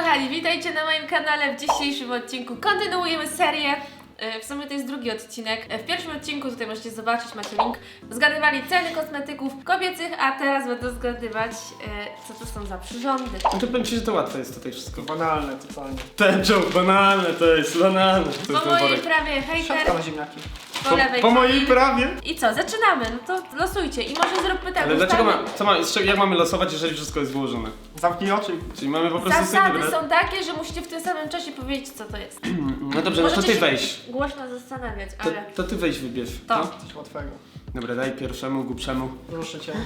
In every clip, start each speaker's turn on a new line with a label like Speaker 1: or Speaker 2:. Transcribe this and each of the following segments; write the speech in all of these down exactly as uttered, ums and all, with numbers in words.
Speaker 1: kochani, witajcie na moim kanale. W dzisiejszym odcinku kontynuujemy serię. W sumie to jest drugi odcinek. W pierwszym odcinku, tutaj możecie zobaczyć, macie link, zgadywali ceny kosmetyków kobiecych, a teraz będę zgadywać, co to są za przyrządy.
Speaker 2: No to powiem ci, że to łatwe jest tutaj wszystko.
Speaker 3: Banalne totalnie.
Speaker 2: Ten joke, banalne to jest, banalne. To
Speaker 1: Po
Speaker 2: jest ten
Speaker 1: mojej
Speaker 2: worek.
Speaker 1: prawie hejter,
Speaker 3: Szafka na ziemniaki.
Speaker 1: po lewej
Speaker 2: Po mojej
Speaker 1: Kamil.
Speaker 2: prawie?
Speaker 1: I co, zaczynamy, no to losujcie i może zróbmy tak.
Speaker 2: Ale dlaczego
Speaker 1: ustawmy-
Speaker 2: ma, co ma, z czego- jak mamy losować, jeżeli wszystko jest wyłożone?
Speaker 3: Zamknij oczy.
Speaker 2: Czyli mamy po prostu sobie
Speaker 1: Zasady
Speaker 2: wybrać?
Speaker 1: są takie, że musicie w tym samym czasie powiedzieć, co to jest.
Speaker 2: No dobrze, no to
Speaker 1: Możecie
Speaker 2: ty
Speaker 1: się
Speaker 2: weź.
Speaker 1: głośno zastanawiać,
Speaker 2: To,
Speaker 1: ale...
Speaker 2: to ty weź wybierz.
Speaker 1: To.
Speaker 2: No?
Speaker 3: Coś łatwego.
Speaker 2: Dobra, daj pierwszemu, głupszemu.
Speaker 3: Proszę cię.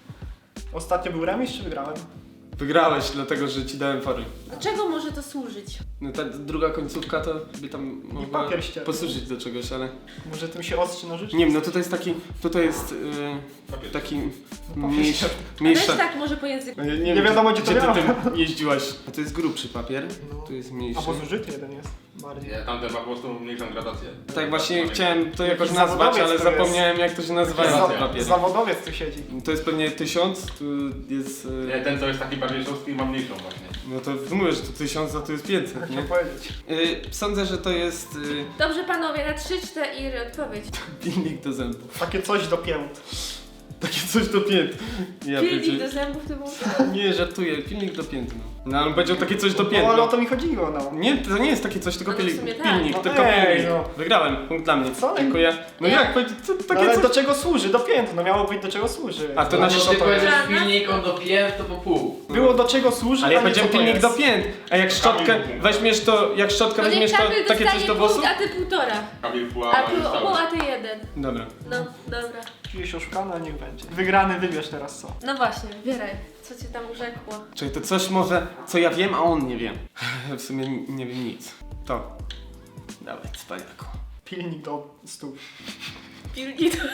Speaker 3: Ostatnio był remis czy wygrałem?
Speaker 2: Wygrałeś, dlatego że ci dałem fory.
Speaker 1: Do czego może to służyć?
Speaker 2: No ta druga końcówka to by tam mogła
Speaker 3: papier ścierny.
Speaker 2: posłużyć do czegoś, ale...
Speaker 3: Może tym się ostrzy nożyczki?
Speaker 2: Nie wiem, no tutaj jest taki, tutaj jest yy, taki mniejszy,
Speaker 1: Weź
Speaker 2: mniejszy.
Speaker 1: tak może po języku.
Speaker 2: No nie,
Speaker 3: Nie wiadomo, gdzie to
Speaker 2: gdzie ty
Speaker 3: miało.
Speaker 2: tym jeździłaś. A to jest grubszy papier,
Speaker 3: No.
Speaker 2: tu jest mniejszy.
Speaker 3: Albo zużyty jeden jest. Bardziej.
Speaker 4: Nie, tamte ma po prostu mniejszą gradację.
Speaker 2: Tak właśnie chciałem to jakoś
Speaker 3: Jakiś
Speaker 2: nazwać,
Speaker 3: zawodowiec
Speaker 2: ale
Speaker 3: to jest.
Speaker 2: zapomniałem jak to się nazywa
Speaker 4: Za-
Speaker 2: ten papier.
Speaker 3: Zawodowiec tu siedzi.
Speaker 2: To jest pewnie tysiąc, tu jest...
Speaker 4: Nie,
Speaker 2: Yy,
Speaker 4: ten co jest taki bardziej szóstki ma mniejszą właśnie.
Speaker 2: no to mówię, że to tysiąc, a tu jest pięćset,
Speaker 3: Jak
Speaker 2: nie?
Speaker 3: to powiedzieć?
Speaker 2: Yy, sądzę, że to jest yy,
Speaker 1: Dobrze panowie, na trzy, cztery odpowiedź.
Speaker 2: pilnik do zębów.
Speaker 3: Takie coś do pięt.
Speaker 2: Takie coś do pięt. Ja
Speaker 1: Pilnik
Speaker 2: pierdzie-
Speaker 1: do zębów to był...
Speaker 2: Nie, żartuję, pilnik do pięt, no. No ale on powiedział takie coś do pięt.
Speaker 3: No ale o
Speaker 2: no.
Speaker 3: to mi chodziło, no.
Speaker 2: Nie, to nie jest takie coś, tylko
Speaker 1: No to w
Speaker 2: pilnik.
Speaker 1: sumie tak.
Speaker 2: Pilnik,
Speaker 3: No
Speaker 2: tylko
Speaker 3: ej,
Speaker 2: pilnik.
Speaker 3: no.
Speaker 2: Wygrałem, punkt dla mnie.
Speaker 3: Co?
Speaker 2: Dziękuję. No
Speaker 1: Nie.
Speaker 2: jak, powiedzieć, co,
Speaker 3: No
Speaker 2: takie
Speaker 3: ale
Speaker 2: coś?
Speaker 3: do czego służy? Do pięt. No miało być do czego służy.
Speaker 2: A to
Speaker 4: No,
Speaker 2: na
Speaker 4: jeśli
Speaker 2: szczotkę.
Speaker 4: powiedziesz
Speaker 1: Żadna?
Speaker 4: pilnik, on do pięt, to po pół.
Speaker 3: Było do czego służy,
Speaker 2: Ale ja
Speaker 3: a nie
Speaker 2: powiedziałem
Speaker 3: co to
Speaker 2: pilnik do
Speaker 3: jest.
Speaker 2: pięt, a jak szczotkę weźmiesz to, jak szczotkę
Speaker 1: No
Speaker 2: weźmiesz
Speaker 1: niech
Speaker 2: to
Speaker 1: Kamil
Speaker 2: takie coś
Speaker 1: dostanie
Speaker 2: do włosów?
Speaker 1: punkt, a ty półtora.
Speaker 4: Kamil pół,
Speaker 1: A
Speaker 4: a
Speaker 1: tu
Speaker 4: już
Speaker 1: pół,
Speaker 4: cały.
Speaker 1: a ty jeden.
Speaker 2: Dobra.
Speaker 1: No, dobra.
Speaker 3: Czujesz oszukany, a niech będzie. Wygrany wybierz teraz co.
Speaker 1: No właśnie, wybieraj. Co cię tam urzekło?
Speaker 2: Czyli to coś może, co ja wiem, a on nie wie. W sumie nie wiem nic. To. Dawaj, cwaniaku.
Speaker 3: Pilnik do stóp.
Speaker 1: Pilnik do...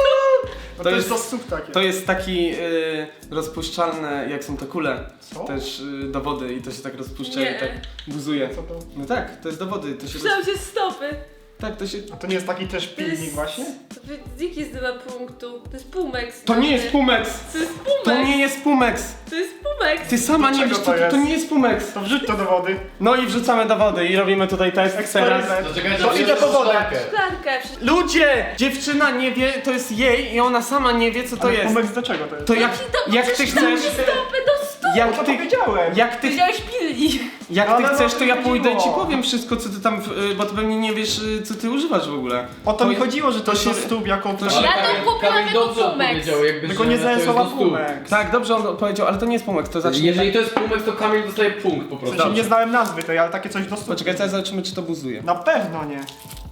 Speaker 3: No
Speaker 2: To
Speaker 3: to, jest
Speaker 2: jest-
Speaker 3: do stóp takie.
Speaker 2: To jest taki y, rozpuszczalne, jak są te kule.
Speaker 3: Co?
Speaker 2: Też y, do wody i to się tak rozpuszcza
Speaker 1: Nie.
Speaker 2: i tak buzuje.
Speaker 3: Co to?
Speaker 2: No tak, to jest do wody, to się roz...
Speaker 1: Przydał się stopy.
Speaker 2: Tak, to się...
Speaker 3: A to nie jest taki też
Speaker 1: To jest-
Speaker 3: pilnik właśnie?
Speaker 1: Dziki zdobywa punktu. To jest Pumex.
Speaker 2: To nie jest Pumex!
Speaker 1: To jest Pumex.
Speaker 2: To nie jest Pumex!
Speaker 1: To jest Pumex.
Speaker 2: Ty sama
Speaker 3: Do
Speaker 2: nie
Speaker 3: czego
Speaker 2: wiesz,
Speaker 3: to
Speaker 2: to, to
Speaker 3: jest?
Speaker 2: nie jest Pumex!
Speaker 3: To wrzuć to do wody.
Speaker 2: No i wrzucamy do wody i robimy tutaj test teraz.
Speaker 3: Eksperyment.
Speaker 4: To czekaj,
Speaker 3: To idę po wodę.
Speaker 1: Szklankę.
Speaker 2: Ludzie! Dziewczyna nie wie, to jest jej i ona sama nie wie, co to
Speaker 3: Ale
Speaker 2: jest.
Speaker 3: Pumex do czego to jest?
Speaker 2: To jak,
Speaker 1: Jaki to-
Speaker 2: jak ty
Speaker 1: przecież tam
Speaker 2: chcesz...
Speaker 1: się stopy do stóp.
Speaker 3: No
Speaker 2: Jak
Speaker 3: to
Speaker 2: ty,
Speaker 3: powiedziałem.
Speaker 2: jak ty,
Speaker 1: Powiedziałeś pilnik.
Speaker 2: jak ty
Speaker 3: Ale no,
Speaker 2: chcesz,
Speaker 3: to
Speaker 2: to ja
Speaker 3: mi
Speaker 2: pójdę i ci
Speaker 3: chodziło.
Speaker 2: powiem wszystko, co ty tam, w- y, bo ty pewnie nie wiesz, y, co ty używasz w ogóle.
Speaker 3: O to mi
Speaker 2: To-
Speaker 3: chodziło, że to,
Speaker 2: to
Speaker 3: jest do
Speaker 2: się-
Speaker 3: stóp jako...
Speaker 2: to
Speaker 3: To
Speaker 2: się-
Speaker 1: Ja to kupiłam
Speaker 4: Kamil
Speaker 1: jako
Speaker 4: dobrze
Speaker 1: Pumex.
Speaker 4: odpowiedział, jakby
Speaker 3: Tylko
Speaker 4: że
Speaker 3: nie
Speaker 4: to jest
Speaker 3: zensowała
Speaker 4: do stóp.
Speaker 3: Pumex.
Speaker 2: Tak, dobrze on powiedział, ale to nie jest Pumex, to zacznie...
Speaker 4: Jeżeli to jest Pumex, to Kamil dostaje punkt po
Speaker 3: W
Speaker 4: prostu.
Speaker 3: sensie nie znałem nazwy tej, ale takie coś do stóp.
Speaker 2: Poczekaj, teraz zobaczymy, czy to buzuje.
Speaker 3: Na pewno nie.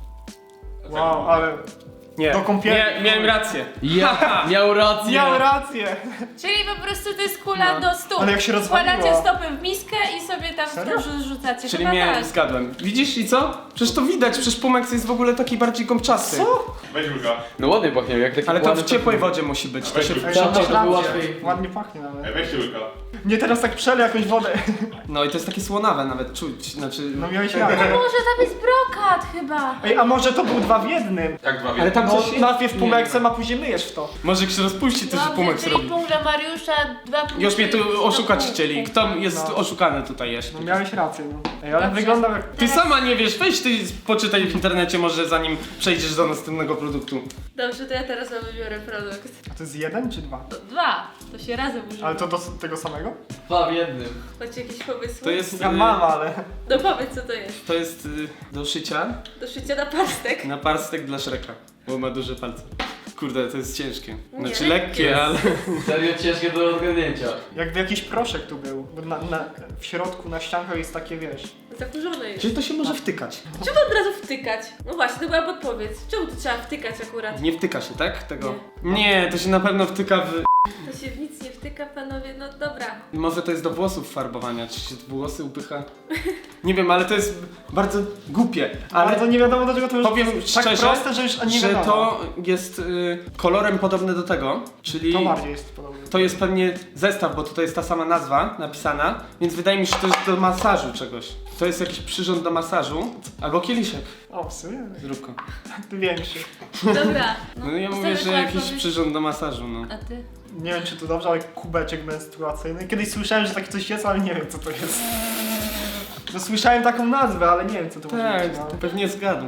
Speaker 3: Wow, ale
Speaker 2: Nie,
Speaker 3: Do kąpieli.
Speaker 2: nie, miałem rację.
Speaker 4: Ja, miał rację.
Speaker 3: miał rację.
Speaker 1: Czyli po prostu to jest kula
Speaker 2: No.
Speaker 1: do stóp.
Speaker 3: Ale jak się rozwaliło.
Speaker 1: Wkładacie stopy w miskę i sobie tam w
Speaker 3: Serio?
Speaker 1: to rzu- rzucacie.
Speaker 2: Czyli
Speaker 1: Chyba
Speaker 2: mnie
Speaker 1: tak.
Speaker 2: zgadłem. Widzisz i co? Przecież to widać, przecież Pumex jest w ogóle taki bardziej gąbczasty.
Speaker 3: Co?
Speaker 4: Weź Julka. No ładnie pachnie, jak taki
Speaker 2: Ale to w
Speaker 4: ładny
Speaker 2: ciepłej
Speaker 4: pachnie.
Speaker 2: wodzie musi być, to się
Speaker 3: Ej,
Speaker 4: Tam
Speaker 3: to
Speaker 4: to
Speaker 3: masz
Speaker 4: by
Speaker 3: rację.
Speaker 4: łatwiej.
Speaker 3: Ładnie pachnie nawet.
Speaker 4: Ej, weź Julka.
Speaker 3: Nie, teraz tak przelej jakąś wodę.
Speaker 2: No i to jest takie słonawe nawet, czuć, znaczy...
Speaker 3: No miałeś
Speaker 1: No
Speaker 3: rację.
Speaker 1: może tam jest brokat chyba.
Speaker 3: Ej, a może to był dwa w jednym?
Speaker 4: Jak dwa
Speaker 2: Ale
Speaker 4: wiele.
Speaker 2: tam
Speaker 3: No
Speaker 2: coś...
Speaker 3: najpierw
Speaker 2: Nie.
Speaker 3: Pumexem, a później myjesz w to.
Speaker 2: Może jak się rozpuści, to się
Speaker 1: Dobrze,
Speaker 2: Pumex
Speaker 1: czyli
Speaker 2: robi.
Speaker 1: punkt dla Mariusza, dwa punkty.
Speaker 2: Już mnie tu
Speaker 1: do
Speaker 2: oszukać
Speaker 1: punktu.
Speaker 2: chcieli. Kto jest
Speaker 3: No.
Speaker 2: oszukany tutaj jeszcze?
Speaker 3: No miałeś rację, no. Ej, ale
Speaker 1: Dobrze.
Speaker 3: wygląda jak...
Speaker 2: Ty sama nie wiesz, weź ty poczytaj w internecie może zanim przejdziesz do następnego produktu.
Speaker 1: Dobrze, to ja teraz wam wybiorę produkt.
Speaker 3: A to jest jeden czy dwa?
Speaker 1: To dwa. To się razem używa.
Speaker 3: Ale to do tego samego?
Speaker 4: Dwa w jednym.
Speaker 1: Macie jakieś pomysły?
Speaker 2: To jest...
Speaker 3: Ja
Speaker 2: y,
Speaker 3: mam, ale...
Speaker 1: No powiedz co to jest.
Speaker 2: To jest y, do szycia
Speaker 1: Do szycia na pastek.
Speaker 2: na parstek dla Shreka, bo ma duże palce. Kurde, to jest ciężkie.
Speaker 1: Nie,
Speaker 2: Znaczy
Speaker 1: lekkie
Speaker 2: lekkie,
Speaker 1: jest.
Speaker 2: ale...
Speaker 4: Serio ciężkie do odgadnięcia.
Speaker 3: Jakby jakiś proszek tu był. Bo na, na, w środku na ściankach jest takie, wiesz...
Speaker 1: Zakurzone jest.
Speaker 2: Czyli to się może wtykać.
Speaker 1: Czemu od razu wtykać? No właśnie, to była podpowiedź. Czemu tu trzeba wtykać akurat?
Speaker 2: Nie wtyka się, tak? Tego? Nie, to się na pewno wtyka w...
Speaker 1: To się w nic nie wtyka, panowie, no dobra.
Speaker 2: Może to jest do włosów farbowania, czy się włosy upycha? Nie wiem, ale to jest bardzo głupie.
Speaker 3: Ale
Speaker 2: Ale
Speaker 3: to nie wiadomo do czego to już
Speaker 2: powiem
Speaker 3: jest tak
Speaker 2: szczerze,
Speaker 3: proste, że już nie
Speaker 2: że
Speaker 3: wiadomo.
Speaker 2: to jest y, kolorem podobny do tego, czyli
Speaker 3: To bardziej jest podobne.
Speaker 2: to jest pewnie zestaw, bo tutaj jest ta sama nazwa napisana, więc wydaje mi się, że to jest do masażu czegoś. To jest jakiś przyrząd do masażu, albo kieliszek.
Speaker 3: O, w sumie?
Speaker 2: Zrób go.
Speaker 3: Ty większy.
Speaker 1: Dobra.
Speaker 2: No ja mówię,
Speaker 1: Zostawię
Speaker 2: że
Speaker 1: twoją
Speaker 2: jakiś
Speaker 1: odpowiedź.
Speaker 2: przyrząd do masażu, no.
Speaker 1: A ty?
Speaker 3: Nie wiem czy to dobrze, ale kubeczek menstruacyjny. Kiedyś słyszałem, że takie coś jest, ale nie wiem co to jest. No słyszałem taką nazwę, ale nie wiem co to może
Speaker 2: Tak,
Speaker 3: być. No.
Speaker 2: to pewnie zgadł.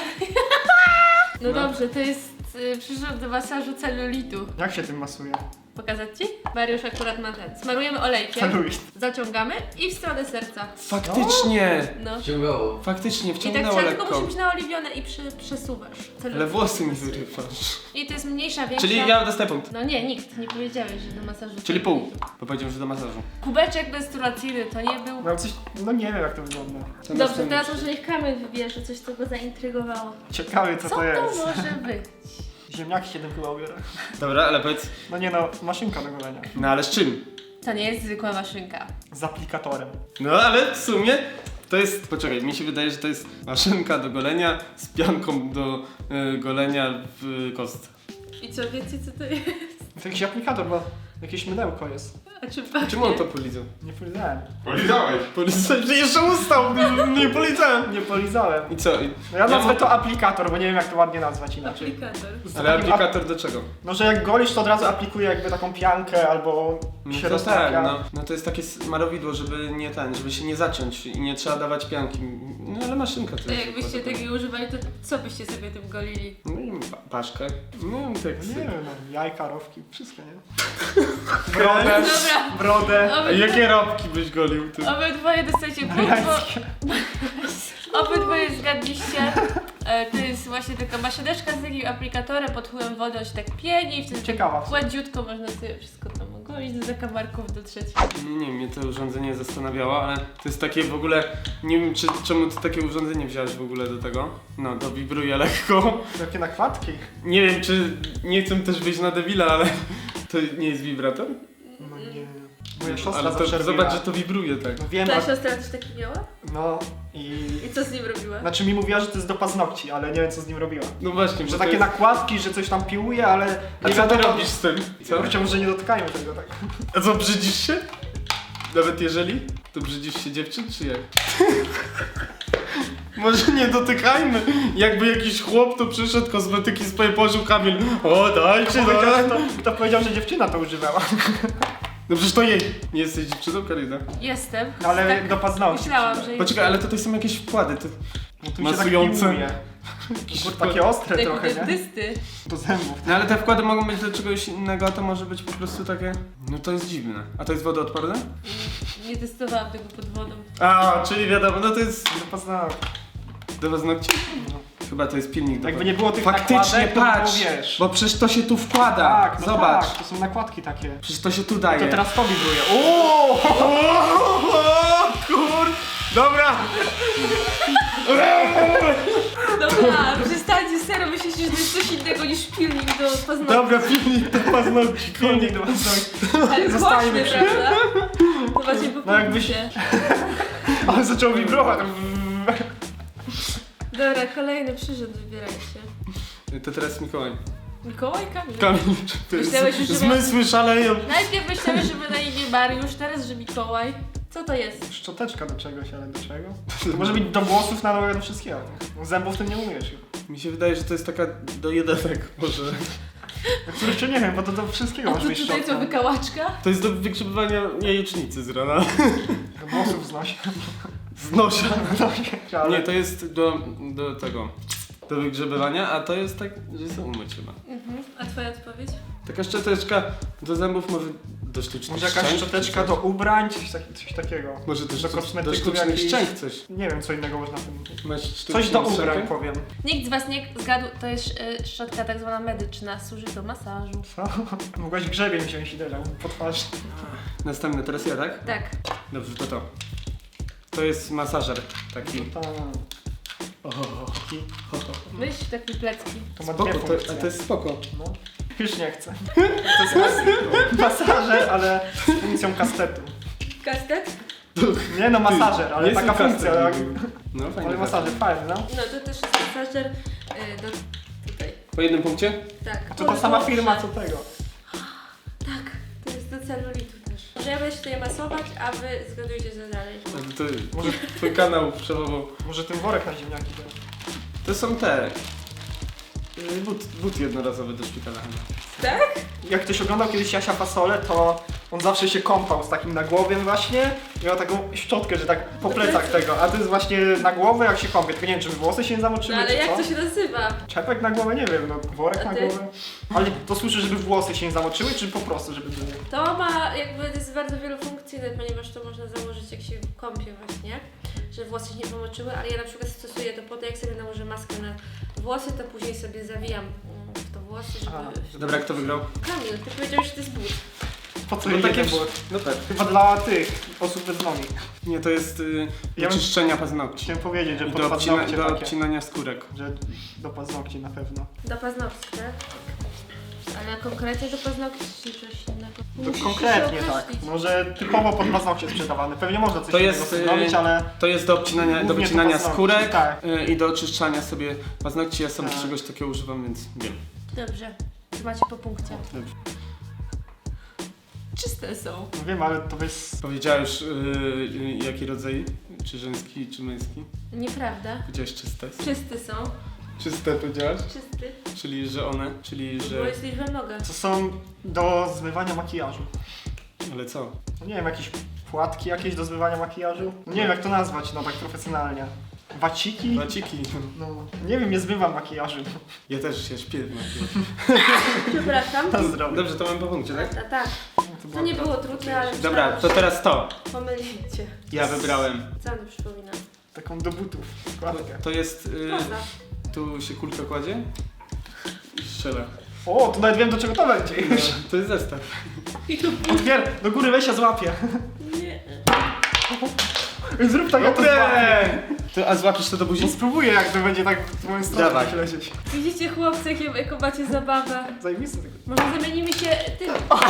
Speaker 1: No
Speaker 2: No.
Speaker 1: dobrze, to jest y, przyrząd do masażu celulitu.
Speaker 3: Jak się tym masuje?
Speaker 1: Pokazać ci? Mariusz akurat ma ten. Smarujemy olejkiem,
Speaker 3: Celulit.
Speaker 1: zaciągamy i w stronę serca.
Speaker 2: Faktycznie!
Speaker 1: No.
Speaker 4: Wciągało.
Speaker 2: Faktycznie,
Speaker 1: I tak
Speaker 2: wciągnęło
Speaker 1: trzeba, tylko
Speaker 2: lekko.
Speaker 1: musi być naoliwione i przy, przesuwasz. Celulit.
Speaker 2: Ale włosy mi wyrywasz.
Speaker 1: I to jest mniejsza, większa.
Speaker 2: Czyli ja dostaję punkt.
Speaker 1: No nie, nikt, nie powiedziałeś, że do masażu.
Speaker 2: Czyli pół,
Speaker 1: celulitu.
Speaker 2: bo powiedziałem, że do masażu.
Speaker 1: Kubeczek menstruacyjny to nie był.
Speaker 3: No coś, no nie wiem jak to wygląda.
Speaker 2: Co
Speaker 1: Dobrze,
Speaker 2: następne?
Speaker 1: teraz może niech Kamil wybierze, coś co go zaintrygowało.
Speaker 3: Ciekawe co,
Speaker 1: Co
Speaker 3: to
Speaker 1: to
Speaker 3: jest.
Speaker 1: może być?
Speaker 3: Ziemniaki się tym chyba ubiera.
Speaker 2: Dobra, ale powiedz,
Speaker 3: No nie no, maszynka do golenia.
Speaker 2: no ale z czym?
Speaker 1: To nie jest zwykła maszynka.
Speaker 3: Z aplikatorem.
Speaker 2: No ale w sumie to jest, poczekaj, mi się wydaje, że to jest maszynka do golenia z pianką do y, golenia w kostce.
Speaker 1: I co, wiecie co to jest?
Speaker 3: To jakiś aplikator, bo jakieś mydełko jest.
Speaker 1: A czy pachnie?
Speaker 2: Czemu on to polizał?
Speaker 3: Nie polizałem.
Speaker 2: Polizałeś! Polizałeś, że jeszcze ustał! Nie, nie polizałem!
Speaker 3: Nie polizałem.
Speaker 2: I co? I-
Speaker 3: No ja nazwę
Speaker 2: mam-
Speaker 3: to aplikator, bo nie wiem jak to ładnie nazwać inaczej.
Speaker 1: Aplikator.
Speaker 3: Z
Speaker 2: Ale
Speaker 3: takim
Speaker 2: aplikator do czego?
Speaker 3: No, że jak golisz, to od razu aplikuje jakby taką piankę albo
Speaker 2: No
Speaker 3: się
Speaker 2: to tak,
Speaker 3: roztapia.
Speaker 2: no. No to jest takie smarowidło, żeby nie ten, żeby się nie zaciąć i nie trzeba dawać pianki. No ale maszynka to
Speaker 1: To
Speaker 2: jest.
Speaker 1: jakbyście
Speaker 2: dokładnie.
Speaker 1: takiego używali, to co byście sobie tym golili?
Speaker 2: No i pa- paszkę. No i tak
Speaker 3: Nie
Speaker 2: sobie.
Speaker 3: wiem, no, jajka, rowki, wszystko, nie? Brodę,
Speaker 1: Dobra.
Speaker 3: brodę.
Speaker 2: A
Speaker 1: Obydwa-
Speaker 2: jakie robki byś golił ty?
Speaker 1: Obydwoje dostajecie punkt,
Speaker 3: Jańskie.
Speaker 1: bo obydwoje zgadliście. E, To jest właśnie taka maszyneczka z takim aplikatorem, pod wpływem wody on się tak pieni i wtedy
Speaker 3: Ciekawa.
Speaker 1: tak gładziutko można sobie wszystko tam ogolić do zakamarków dotrzeć.
Speaker 2: Nie, nie, mnie to urządzenie zastanawiało, ale to jest takie w ogóle, nie wiem czy, czemu ty takie urządzenie wziąłeś w ogóle do tego. No, to wibruje lekko.
Speaker 3: Jakie nakładki.
Speaker 2: Nie wiem czy, nie chcę też wyjść na debila, ale to nie jest wibrator?
Speaker 3: No nie. Moja siostra
Speaker 2: Ale
Speaker 3: zawsze
Speaker 2: to,
Speaker 3: robiła.
Speaker 2: zobacz, że to wibruje tak.
Speaker 3: No wiem,
Speaker 1: Ta
Speaker 3: a...
Speaker 1: siostra też taki miała?
Speaker 3: no i...
Speaker 1: I co z nim robiła?
Speaker 3: Znaczy mi mówiła, że to jest do paznokci, ale nie wiem co z nim robiła.
Speaker 2: No właśnie, bo
Speaker 3: Że
Speaker 2: to
Speaker 3: takie
Speaker 2: jest...
Speaker 3: nakładki, że coś tam piłuje, ale
Speaker 2: A
Speaker 3: nie
Speaker 2: co ty
Speaker 3: wiadomo-
Speaker 2: robisz z tym? Co?
Speaker 3: Chciałbym, że nie dotykają tego tak.
Speaker 2: A co, brzydzisz się? Nawet jeżeli? To brzydzisz się dziewczyn, czy jak? Może nie dotykajmy. Jakby jakiś chłop tu przyszedł, kosmetyki swoje położył, Kamil. O, dajcie,
Speaker 3: Kto powiedział,
Speaker 2: daj.
Speaker 3: że to, kto powiedział, że dziewczyna to używała?
Speaker 2: No przecież to jej. Nie jesteś dziewczyną, Karina.
Speaker 1: Jestem.
Speaker 3: No ale
Speaker 1: Tak
Speaker 3: do paznokci.
Speaker 1: myślałam, że
Speaker 2: Poczekaj, ale tutaj są jakieś wkłady. To...
Speaker 3: No tu
Speaker 2: masujące.
Speaker 3: się tak piłuje. Kurde, takie ostre
Speaker 1: Jak
Speaker 3: trochę, nie?
Speaker 1: dentysty.
Speaker 3: Do zębów.
Speaker 2: No ale te wkłady mogą być do czegoś innego, a to może być po prostu takie... No to jest dziwne. A to jest wodoodporne?
Speaker 1: Nie testowałam tego pod wodą.
Speaker 2: A, czyli wiadomo, no to jest...
Speaker 3: Do paznokci.
Speaker 2: Do paznokci? Chyba to jest pilnik do
Speaker 3: Jakby nie było tych
Speaker 2: Faktycznie,
Speaker 3: nakładek, to by było,
Speaker 2: patrz,
Speaker 3: wiesz.
Speaker 2: bo przecież to się tu wkłada.
Speaker 3: Tak, no
Speaker 2: Zobacz.
Speaker 3: tak, to są nakładki takie.
Speaker 2: Przecież to się tu daje.
Speaker 3: To teraz to wibruje. Uuu!
Speaker 2: O, kur... Dobra!
Speaker 1: Dobra, przestańcie serio myśleć, że to jest coś innego niż pilnik do paznokci.
Speaker 2: Dobra, pilnik do paznokci.
Speaker 3: Pilnik do paznokci.
Speaker 1: Ale
Speaker 3: zostańmy
Speaker 1: głośny,
Speaker 3: przy-
Speaker 1: prawda? To właśnie po
Speaker 3: No jakbyś- Ale zaczął wibrować.
Speaker 1: Dobra, kolejny przyrząd wybierajcie.
Speaker 2: To teraz Mikołaj.
Speaker 1: Mikołaj Kamil.
Speaker 2: Kamil, to jest...
Speaker 1: Myślałeś już, że
Speaker 2: Zmysły szaleją.
Speaker 1: Najpierw myślałeś, że ma na imię Mariusz, teraz, że Mikołaj. Co to jest?
Speaker 3: Szczoteczka do czegoś, ale do czego? To może być do włosów, na nogę, do wszystkiego. Zębów tym nie umiesz już.
Speaker 2: Mi się wydaje, że to jest taka do jedenek może.
Speaker 3: No jeszcze nie wiem, bo to do wszystkiego
Speaker 1: A
Speaker 3: może
Speaker 1: to
Speaker 3: być
Speaker 1: tutaj co,
Speaker 3: szczotka.
Speaker 1: wykałaczka?
Speaker 2: To jest do wygrzebywania jajecznicy z rana.
Speaker 3: Do włosów znosi.
Speaker 2: Z nosia.
Speaker 3: Ale...
Speaker 2: Nie, to jest do, do tego, do wygrzebywania, a to jest tak, że są umyć chyba.
Speaker 1: Mhm. A twoja odpowiedź?
Speaker 2: Taka szczoteczka do zębów, może do sztucznych
Speaker 3: Może jakaś
Speaker 2: szczęk,
Speaker 3: szczoteczka
Speaker 2: czy
Speaker 3: do
Speaker 2: coś?
Speaker 3: ubrań, coś, tak, coś takiego.
Speaker 2: Może też
Speaker 3: do
Speaker 2: do, do
Speaker 3: kosmetyków
Speaker 2: sztucznych
Speaker 3: jakichś-
Speaker 2: szczęk coś.
Speaker 3: Nie wiem, co innego można tym...
Speaker 2: Masz
Speaker 3: Coś
Speaker 2: sztuczną
Speaker 3: do ubrań,
Speaker 2: szczękę?
Speaker 3: powiem.
Speaker 1: Nikt z was nie zgadł, to jest y, szczotka tak zwana medyczna, służy do masażu.
Speaker 3: Co? Mogłaś grzebień wziąć i dać po twarzy.
Speaker 2: Następny, teraz ja, tak?
Speaker 1: Tak.
Speaker 2: Dobrze, to to. To jest masażer taki.
Speaker 3: Ta,
Speaker 2: O, taki.
Speaker 1: Myśl takie plecki.
Speaker 3: to ma
Speaker 2: Spoko,
Speaker 3: dwie
Speaker 2: to,
Speaker 3: funkcje.
Speaker 2: a to jest spoko.
Speaker 3: No. Już nie chcę. To jest mas- masażer, ale z funkcją kastetu.
Speaker 1: Kastet?
Speaker 3: Nie no, masażer, ale
Speaker 2: Nie
Speaker 3: taka
Speaker 2: są
Speaker 3: funkcja.
Speaker 2: kastet.
Speaker 3: Jak...
Speaker 2: No fajnie.
Speaker 3: Ale masażer, fajny, no.
Speaker 1: No to też jest masażer y, do tutaj.
Speaker 2: Po jednym punkcie?
Speaker 1: Tak.
Speaker 3: To ta sama
Speaker 1: Dobrze.
Speaker 3: firma co tego.
Speaker 1: Tak, to jest do celulitu też. Może ja będę się tutaj masować, a wy zgadujcie co dalej.
Speaker 2: To, może twój kanał przełował.
Speaker 3: Może ten worek na ziemniaki też.
Speaker 2: To są te. y, But, but jednorazowy do szpitala chyba.
Speaker 1: Tak?
Speaker 3: Jak ktoś oglądał kiedyś Jasia Fasolę, to On zawsze się kąpał z takim nagłowiem właśnie i miał taką szczotkę, że tak po plecach tego, a to jest właśnie na głowę jak się kąpie, tylko nie wiem czy włosy się nie zamoczyły
Speaker 1: No ale
Speaker 3: czy
Speaker 1: jak
Speaker 3: co?
Speaker 1: to się nazywa?
Speaker 3: Czepek na głowę? Nie wiem, no worek
Speaker 1: A
Speaker 3: na
Speaker 1: ty?
Speaker 3: głowę. Ale to słyszę, żeby włosy się nie zamoczyły, czy po prostu, żeby były?
Speaker 1: To ma jakby jest bardzo wielofunkcyjne, ponieważ to można założyć jak się kąpie właśnie, że włosy się nie pomoczyły, ale ja na przykład stosuję to po to, jak sobie nałożę maskę na włosy, to później sobie zawijam mm, w to włosy, żeby...
Speaker 2: Dobra, kto wygrał?
Speaker 1: Kamil, ty powiedziałeś, że to jest but.
Speaker 3: Po co
Speaker 2: No
Speaker 3: no
Speaker 2: takie
Speaker 3: takie było?
Speaker 2: No tak.
Speaker 3: Chyba dla tych osób bez nogi.
Speaker 2: Nie, to jest y, do
Speaker 3: Ja bym-
Speaker 2: czyszczenia paznokci.
Speaker 3: Chciałem powiedzieć, że
Speaker 2: I
Speaker 3: pod
Speaker 2: do, obcina,
Speaker 3: paznokcie
Speaker 2: do
Speaker 3: takie.
Speaker 2: obcinania skórek.
Speaker 3: Że do paznokci na pewno.
Speaker 1: Do paznokci, tak? Ale konkretnie do paznokci czy coś innego?
Speaker 3: To
Speaker 1: Musisz
Speaker 3: konkretnie
Speaker 1: się
Speaker 3: tak.
Speaker 1: określić.
Speaker 3: Może typowo pod paznokcie sprzedawane. Pewnie można coś
Speaker 2: To
Speaker 3: innego
Speaker 2: jest,
Speaker 3: sobie
Speaker 2: y,
Speaker 3: zrobić, ale
Speaker 2: To jest do obcinania, do
Speaker 3: Głównie do
Speaker 2: wycinania
Speaker 3: paznokci,
Speaker 2: skórek
Speaker 3: tak.
Speaker 2: y, i do oczyszczania sobie paznokci. Ja sam
Speaker 3: Tak.
Speaker 2: czegoś takiego używam, więc wiem.
Speaker 1: Dobrze, to macie po punkcie.
Speaker 2: Dobrze.
Speaker 1: Czyste są.
Speaker 3: no wiem, ale to jest...
Speaker 2: Powiedziałeś y, y, jaki rodzaj? Czy żeński, czy męski?
Speaker 1: Nieprawda.
Speaker 2: Powiedziałeś czyste.
Speaker 1: Czysty są.
Speaker 2: Czyste powiedziałaś?
Speaker 1: Czysty.
Speaker 2: Czyli, że one, czyli,
Speaker 1: Bo
Speaker 2: że...
Speaker 1: jest liczba mnoga.
Speaker 3: To są do zmywania makijażu.
Speaker 2: Ale co?
Speaker 3: No nie wiem, jakieś płatki jakieś do zmywania makijażu? No nie wiem jak to nazwać, no tak profesjonalnie. Waciki?
Speaker 2: Maciki.
Speaker 3: No, nie wiem, nie zmywam makijażu.
Speaker 2: Ja też się śpię.
Speaker 1: Przepraszam.
Speaker 3: Na zdrowie.
Speaker 2: Dobrze, to mam po punkcie, tak?
Speaker 1: Tak, tak. To nie było trudne, ale
Speaker 2: Dobra, to
Speaker 1: myślałam,
Speaker 2: teraz to.
Speaker 1: że pomylicie.
Speaker 2: Ja wybrałem.
Speaker 1: Co mi przypomina?
Speaker 3: Taką do butów składkę.
Speaker 2: To jest... Y,
Speaker 1: Prawda.
Speaker 2: tu się kulka kładzie i strzela.
Speaker 3: O, to nawet wiem do czego to będzie
Speaker 2: No,
Speaker 3: już.
Speaker 2: to jest zestaw.
Speaker 3: Otwier, do góry weź, ja złapię.
Speaker 1: Nie.
Speaker 3: Zrób tak, ja to złapię.
Speaker 2: Dobre! To, a złapisz to do buzi?
Speaker 3: No spróbuję jak to będzie tak w moją stronę
Speaker 2: Dawaj.
Speaker 3: tak lecieć.
Speaker 1: Widzicie chłopcy, jakie, jaką macie zabawę.
Speaker 3: Zajebiste tego.
Speaker 1: Może zamienimy się tym.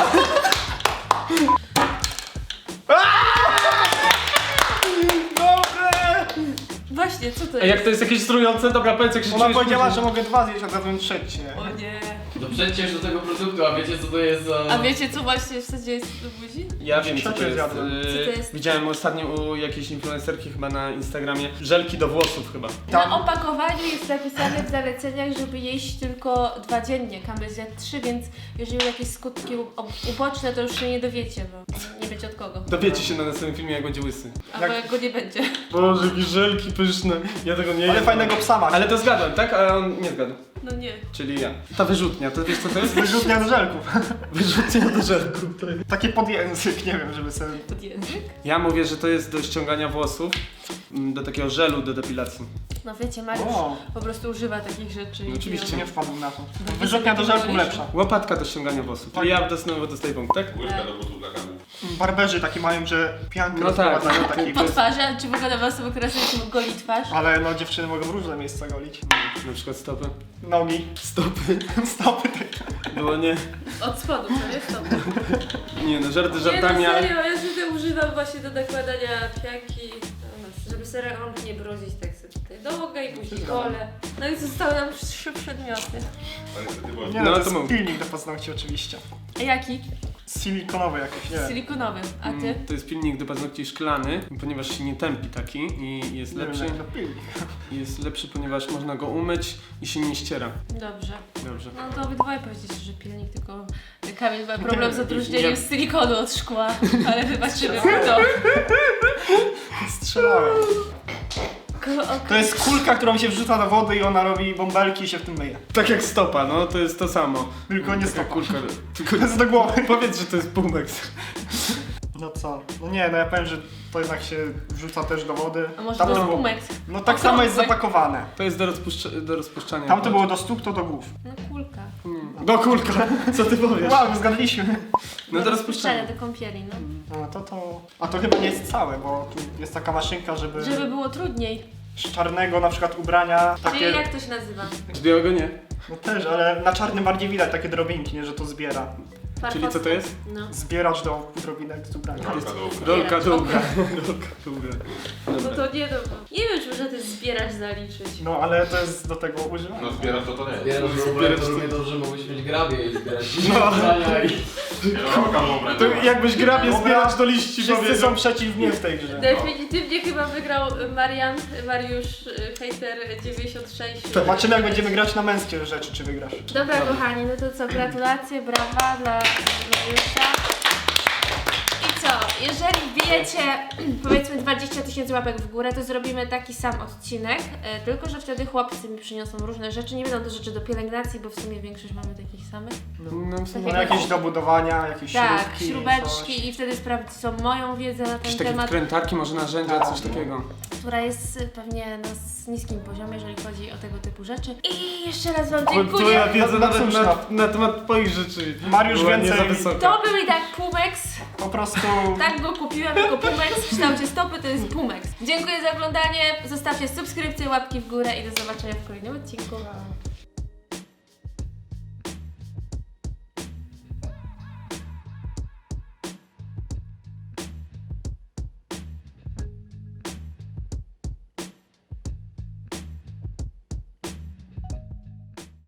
Speaker 3: Dobre!
Speaker 1: Właśnie, co to
Speaker 2: A
Speaker 1: jest?
Speaker 2: jak to jest jakieś strujące? Dobra, powiedz jak się
Speaker 3: Ona
Speaker 2: czujesz
Speaker 3: powiedziała,
Speaker 2: później.
Speaker 3: że mogę dwa zjeść, a zjadłem trzecie.
Speaker 1: O nie.
Speaker 4: No przecież do tego produktu, a wiecie co to jest za...
Speaker 1: A wiecie co właśnie w zasadzie jest do buzi?
Speaker 2: Ja wiem co to
Speaker 3: Trzecie
Speaker 2: jest.
Speaker 3: zjadłem.
Speaker 2: Yy,
Speaker 1: Co to jest?
Speaker 2: Widziałem ostatnio u jakiejś influencerki chyba na Instagramie. Żelki do włosów chyba.
Speaker 3: Tam-
Speaker 1: Na opakowaniu jest napisane w zaleceniach, żeby jeść tylko dwa dziennie. Kamil zjadł trzy, więc jeżeli jakieś skutki u- uboczne, to już się nie dowiecie, bo nie wiecie od kogo.
Speaker 2: Dowiecie się na następnym filmie jak będzie łysy.
Speaker 1: Albo
Speaker 3: Jak-
Speaker 1: jak go nie będzie.
Speaker 2: Boże, jakie żelki pyszne. Ja tego nie
Speaker 3: Ale
Speaker 2: jem.
Speaker 3: fajnego psa masz.
Speaker 2: Ale to zgadłem, tak? A on nie zgadł.
Speaker 1: No nie.
Speaker 2: Czyli ja. Ta wyrzutnia, to wiesz co to jest?
Speaker 3: Wyrzutnia do żelków.
Speaker 2: Wyrzutnia do żelków. To jest.
Speaker 3: Takie podjęzyk, nie wiem, żeby sobie...
Speaker 1: Pod język?
Speaker 2: Ja mówię, że to jest do ściągania włosów, mm, do takiego żelu do depilacji.
Speaker 1: No wiecie, Mariusz
Speaker 3: O,
Speaker 1: po prostu używa takich rzeczy. i-
Speaker 2: No oczywiście.
Speaker 3: nie wpadłem na to. Wyrzutnia do żelków lepsza.
Speaker 2: Łopatka do ściągania włosów. Czyli ja dostanę dostaję punkt, tak?
Speaker 5: Łyżka do butów dla karmów.
Speaker 3: Barberzy takie mają, że piankę
Speaker 2: No tak,
Speaker 3: rozprowadzają
Speaker 2: no,
Speaker 3: taki.
Speaker 2: to
Speaker 1: Po
Speaker 2: jest-
Speaker 1: twarzy, a czy w ogóle dla osoby, która sobie goli twarz?
Speaker 3: Ale no dziewczyny mogą w różne miejsca golić.
Speaker 2: Na przykład stopy.
Speaker 3: Nogi,
Speaker 2: Stopy.
Speaker 3: stopy takie.
Speaker 2: Było nie.
Speaker 1: Od spodu, co jest to?
Speaker 2: Nie no, żarty
Speaker 1: Nie,
Speaker 2: żartami,
Speaker 1: no
Speaker 2: ale...
Speaker 1: serio, ja sobie używam właśnie do nakładania pianki, no, żeby sobie rąk nie brudzić, tak sobie tutaj nogę i później kole. No i zostały nam trzy przedmioty.
Speaker 5: Ale niestety było.
Speaker 3: Nie
Speaker 2: No,
Speaker 3: no, to
Speaker 2: to
Speaker 3: jest
Speaker 2: mów.
Speaker 3: pilnik do paznokci oczywiście.
Speaker 1: A jaki?
Speaker 3: Silikonowy jakiś, nie wiem.
Speaker 1: Silikonowy. A ty?
Speaker 2: Mm, To jest pilnik do paznokci szklany, ponieważ się nie tępi taki i jest
Speaker 3: Nie wiem,
Speaker 2: lepszy.
Speaker 3: jak to pilnik.
Speaker 2: Jest lepszy, ponieważ można go umyć i się nie ściera.
Speaker 1: Dobrze.
Speaker 2: Dobrze.
Speaker 1: No to obydwoje powiedzieliście, że pilnik, tylko Kamil ma problem z odróżnieniem
Speaker 2: Ja-
Speaker 1: silikonu od szkła, ale wybaczymy mu to.
Speaker 3: Strzelałem.
Speaker 1: Ko- okej.
Speaker 3: To jest kulka, którą się wrzuca do wody i ona robi bąbelki i się w tym myje.
Speaker 2: Tak jak stopa, no to jest to samo.
Speaker 3: Tylko nie
Speaker 2: Taka
Speaker 3: stopa.
Speaker 2: kulka. Tylko
Speaker 3: To jest do głowy.
Speaker 2: powiedz, że to jest Pumex.
Speaker 3: No co? No nie, no ja powiem, że to jednak się wrzuca też do wody.
Speaker 1: A może
Speaker 3: Tam
Speaker 1: to
Speaker 3: to
Speaker 1: jest
Speaker 3: było-
Speaker 1: pumex?
Speaker 3: No tak samo jest
Speaker 1: Okrągły.
Speaker 3: zapakowane.
Speaker 2: To jest do, rozpuszcza- do rozpuszczania.
Speaker 3: Tam to było do stóp, to do głów.
Speaker 1: No kulka.
Speaker 2: Mm. Do kulka, co ty powiesz?
Speaker 3: Wow, my zgadliśmy.
Speaker 2: No do
Speaker 1: rozpuszczania,
Speaker 2: rozpuszczania.
Speaker 1: do kąpieli, no.
Speaker 3: No to to... A to chyba nie jest całe, bo tu jest taka maszynka, żeby...
Speaker 1: Żeby było trudniej.
Speaker 3: z czarnego na przykład ubrania,
Speaker 1: Czyli
Speaker 3: takie...
Speaker 1: jak to się nazywa?
Speaker 2: Z białego nie.
Speaker 3: No też, ale na czarnym bardziej widać takie drobinki, nie, że to zbiera.
Speaker 2: Czyli co to jest?
Speaker 1: No.
Speaker 3: Zbieracz do drobinek z ubrania.
Speaker 5: Rolka do ubrań.
Speaker 2: Rolka
Speaker 1: Zbieracz,
Speaker 2: długa.
Speaker 1: okej.
Speaker 2: Rolka długa.
Speaker 1: No
Speaker 2: Dobra.
Speaker 1: to nie no. Nie wiem, czy można to zbierać zaliczyć.
Speaker 3: No ale to jest do tego używane.
Speaker 5: No zbierasz to to nie.
Speaker 4: Zbierać
Speaker 2: Zbierać
Speaker 4: ubrania, to
Speaker 2: to-
Speaker 4: równie dobrze mogłeś mieć grabie i zbierać
Speaker 2: No.
Speaker 4: ubrania i...
Speaker 5: Rolka do ubrań.
Speaker 2: To jakbyś grabie
Speaker 3: Dobra.
Speaker 2: zbierać do liści
Speaker 3: Wszyscy
Speaker 2: powiedział.
Speaker 3: są przeciw mnie w tej grze.
Speaker 1: Definitywnie chyba wygrał Marian, Mariusz, y, hejter dziewięćdziesiąt sześć.
Speaker 3: Zobaczymy jak będziemy grać na męskie rzeczy, czy wygrasz.
Speaker 1: Dobra kochani, no to co, gratulacje, brawa dla Mariusza. jeżeli wbijecie powiedzmy dwadzieścia tysięcy łapek w górę, to zrobimy taki sam odcinek, e, tylko że wtedy chłopcy mi przyniosą różne rzeczy. Nie będą to rzeczy do pielęgnacji, bo w sumie większość mamy takich samych.
Speaker 2: No, w sumie
Speaker 3: No, jakieś do budowania, jakieś
Speaker 1: Tak,
Speaker 3: śrubki,
Speaker 1: śrubeczki
Speaker 3: coś.
Speaker 1: i wtedy sprawdzą moją wiedzę na ten
Speaker 2: jakieś takie
Speaker 1: temat,
Speaker 2: wkrętarki, może narzędzia, coś takiego.
Speaker 1: która jest y, pewnie na s- niskim poziomie, jeżeli chodzi o tego typu rzeczy. I jeszcze raz Wam
Speaker 2: Bo
Speaker 1: dziękuję.
Speaker 2: twoja wiedza
Speaker 3: No
Speaker 2: nawet
Speaker 3: cóż,
Speaker 2: na,
Speaker 3: no.
Speaker 2: na temat twoich rzeczy
Speaker 3: Mariusz
Speaker 2: była nie
Speaker 3: więcej-
Speaker 2: za wysoka.
Speaker 1: To był i tak Pumex.
Speaker 3: Po prostu...
Speaker 1: Tak go kupiłam jako Pumex w kształcie stopy, to jest Pumex. Dziękuję za oglądanie, zostawcie subskrypcję, łapki w górę i do zobaczenia w kolejnym odcinku.